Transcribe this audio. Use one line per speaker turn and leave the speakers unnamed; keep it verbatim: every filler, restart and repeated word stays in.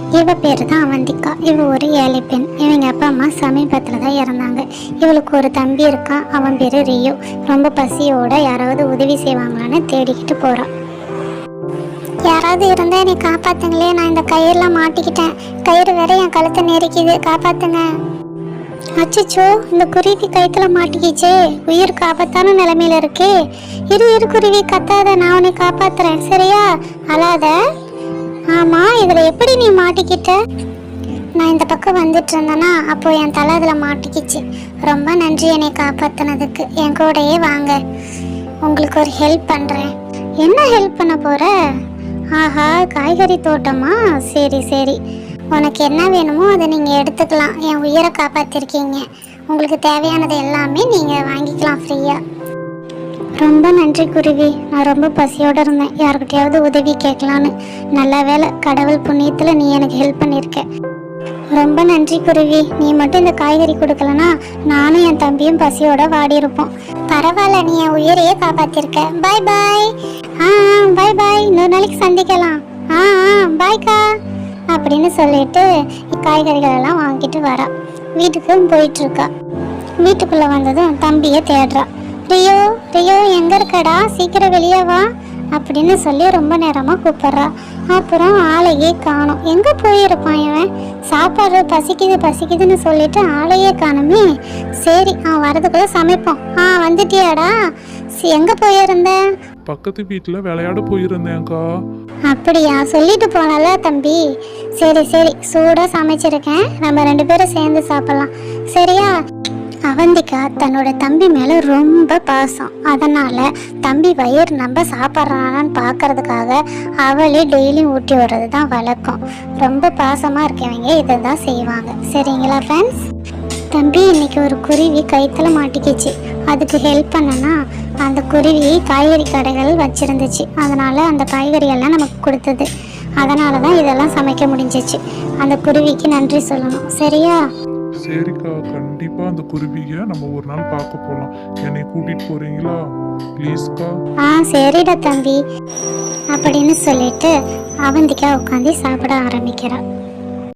இவ பேர் தான் அவந்திகா. இவ ஒரு ஏழை பெண். இவங்க அப்பா அம்மா சமீபத்தில் தான் இறந்தாங்க. இவளுக்கு ஒரு தம்பி இருக்கான். அவன் பேர் ரியோ. ரொம்ப பசியோட யாராவது உதவி செய்வாங்களான்னு தேடிக்கிட்டு போகிறான். யாராவது இருந்தால் என்னை காப்பாத்துங்களே, நான் இந்த கயிறுலாம் மாட்டிக்கிட்டேன். கயிறு வேற என் கழுத்தை நெரிக்குது, காப்பாத்துங்க. அச்சோ, இந்த குருவி கயிற்றுல மாட்டிக்கிச்சே, உயிருக்கு ஆபத்தான நிலைமையில இருக்கே. இரு இரு குருவி, கத்தாத, நான் உன்னை காப்பாத்துறேன், சரியா? அழாத. ஆமா, இதுல எப்படி நீ மாட்டிக்கிட்ட? நான் இந்த பக்கம் வந்துட்டு இருந்தேன்னா அப்போ என் தலை அதுல மாட்டிக்கிச்சு. ரொம்ப நன்றி என்னை காப்பாத்தினதுக்கு. என் கூடயே வாங்க, உங்களுக்கு ஒரு ஹெல்ப் பண்றேன். என்ன ஹெல்ப் பண்ண போற? ஆஹா, காய்கறி தோட்டமா? சரி சரி, உனக்கு என்ன வேணுமோ அதை நீங்கள் எடுத்துக்கலாம். என் உயிரை காப்பாற்றிருக்கீங்க. உங்களுக்கு தேவையானது எல்லாமே நீங்கள் வாங்கிக்கலாம் ஃப்ரீயாக. ரொம்ப நன்றி குருவி. நான் ரொம்ப பசியோடு இருந்தேன், யாருக்கிட்டையாவது உதவி கேட்கலான்னு. நல்ல வேலை, கடவுள் புண்ணியத்தில் நீ எனக்கு ஹெல்ப் பண்ணியிருக்க. ரொம்ப நன்றி குருவி. நீ மட்டும் இந்த காய்கறி கொடுக்கலனா நானும் என் தம்பியும் பசியோட வாடி இருப்போம். பரவாயில்ல, நீ என் உயிரையே காப்பாற்றிருக்க. பாய் பாய். ஆ பாய் பாய், இன்னொரு நாளைக்கு சந்திக்கலாம். ஆ ஆ பாய்க்கா அப்படின்னு சொல்லிட்டு காய்கறிகள் எல்லாம் வாங்கிட்டு வரா. வீட்டுக்கு போயிட்டு இருக்கா. வீட்டுக்குள்ள வந்ததும் தம்பியை தேடுறா. ரியோ ரியோ, எங்க இருக்கடா, சீக்கிரம் வெளியே வா அப்படின்னு சொல்லி ரொம்ப நேரமா கூப்பிடுறா. அப்புறம் ஆளையே காணும். எங்க போயிருப்பான் இவன்? சாப்பாடு பசிக்குது பசிக்குதுன்னு சொல்லிட்டு ஆளையே காணுமே. சரி, அவன் வரதுக்குள்ள சமைப்போம். ஆ வந்துட்டியாடா? எங்க போயிருந்த?
பக்கத்து வீட்டுல விளையாட போயிருந்தேன்க்கா.
அப்படியா, சொல்லிட்டு போனல தம்பி. சரி சரி, சூடா சமைச்சிருக்கேன், நம்ம ரெண்டு பேரும் சேர்ந்து சாப்பிடலாம், சரியா? அவந்திகா தன்னோட தம்பி மேல ரொம்ப பாசம். அதனால தம்பி வயிறு நம்ம சாப்பிட்றானான்னு பார்க்கறதுக்காக அவளே டெய்லியும் ஊட்டி விடுறது தான் வழக்கம். ரொம்ப பாசமா இருக்கவங்க இதை தான் செய்வாங்க, சரிங்களா ஃப்ரெண்ட்ஸ்? தம்பி, இன்னைக்கு ஒரு குருவி கயிற்றுல மாட்டிக்கிச்சு. அதுக்கு ஹெல்ப் பண்ணனா அந்த குருவி காய்கறி கடைகள் வச்சிருந்துச்சு. அதனால அந்த காய்கறி எல்லாம் நமக்கு கொடுத்தது. அதனால தான் இதெல்லாம் சமைக்க முடிஞ்சிச்சு. அந்த குருவிக்கு நன்றி சொல்லணும், சரியா?
சரிக்கா, கண்டிப்பா அந்த குருவிய நம்ம ஒரு நாள் பார்க்க போலாம். என்னை கூட்டிட்டு போறீங்களா ப்ளீஸ்க்கா?
ஆ சரிடா தம்பி அப்படின்னு சொல்லிட்டு அவந்திகா உட்காந்து சாப்பிட ஆரம்பிக்கிறா.